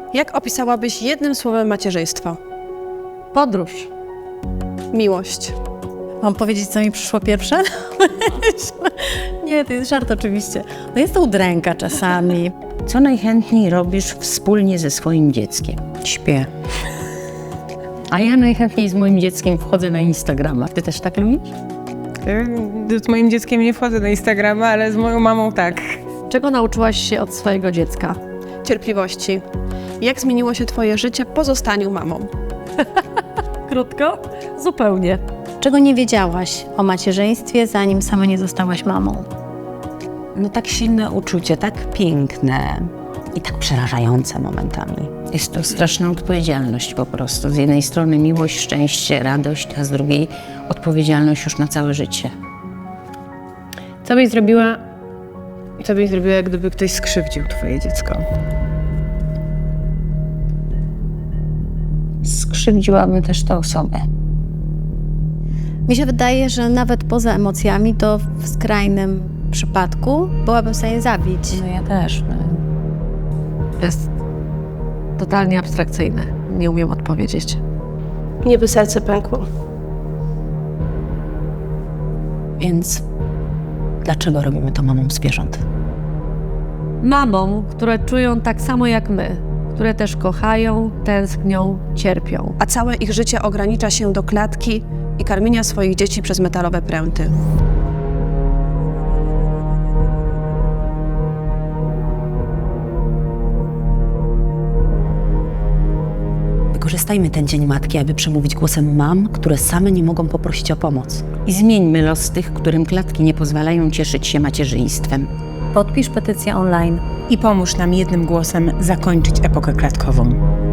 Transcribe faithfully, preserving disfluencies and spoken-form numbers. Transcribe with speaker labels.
Speaker 1: Jak opisałabyś jednym słowem macierzyństwo?
Speaker 2: Podróż.
Speaker 1: Miłość.
Speaker 2: Mam powiedzieć, co mi przyszło pierwsze? Nie, to jest żart oczywiście. No jest to udręka czasami.
Speaker 3: Co najchętniej robisz wspólnie ze swoim dzieckiem?
Speaker 2: Śpię.
Speaker 3: A ja najchętniej z moim dzieckiem wchodzę na Instagrama. Ty też tak lubisz?
Speaker 4: Z moim dzieckiem nie wchodzę na Instagrama, ale z moją mamą tak.
Speaker 2: Czego nauczyłaś się od swojego dziecka?
Speaker 1: Cierpliwości. Jak zmieniło się twoje życie po zostaniu mamą?
Speaker 2: Krótko? Zupełnie. Czego nie wiedziałaś o macierzyństwie, zanim sama nie zostałaś mamą?
Speaker 3: No tak silne uczucie, tak piękne i tak przerażające momentami. Jest to straszna odpowiedzialność po prostu. Z jednej strony miłość, szczęście, radość, a z drugiej odpowiedzialność już na całe życie.
Speaker 4: Co byś zrobiła, co byś zrobiła, gdyby ktoś skrzywdził twoje dziecko?
Speaker 3: Skrzywdziłabym też tę osobę.
Speaker 2: Mi się wydaje, że nawet poza emocjami, to w skrajnym przypadku byłabym w stanie zabić.
Speaker 3: No ja też. No.
Speaker 5: Jest totalnie abstrakcyjne. Nie umiem odpowiedzieć.
Speaker 1: Mnie by serce pękło.
Speaker 3: Więc dlaczego robimy to mamom zwierząt?
Speaker 5: Mamom, które czują tak samo jak my, które też kochają, tęsknią, cierpią.
Speaker 1: A całe ich życie ogranicza się do klatki i karmienia swoich dzieci przez metalowe pręty.
Speaker 6: Wykorzystajmy ten Dzień Matki, aby przemówić głosem mam, które same nie mogą poprosić o pomoc.
Speaker 3: I zmieńmy los tych, którym klatki nie pozwalają cieszyć się macierzyństwem.
Speaker 2: Podpisz petycję online.
Speaker 7: I pomóż nam jednym głosem zakończyć epokę klatkową.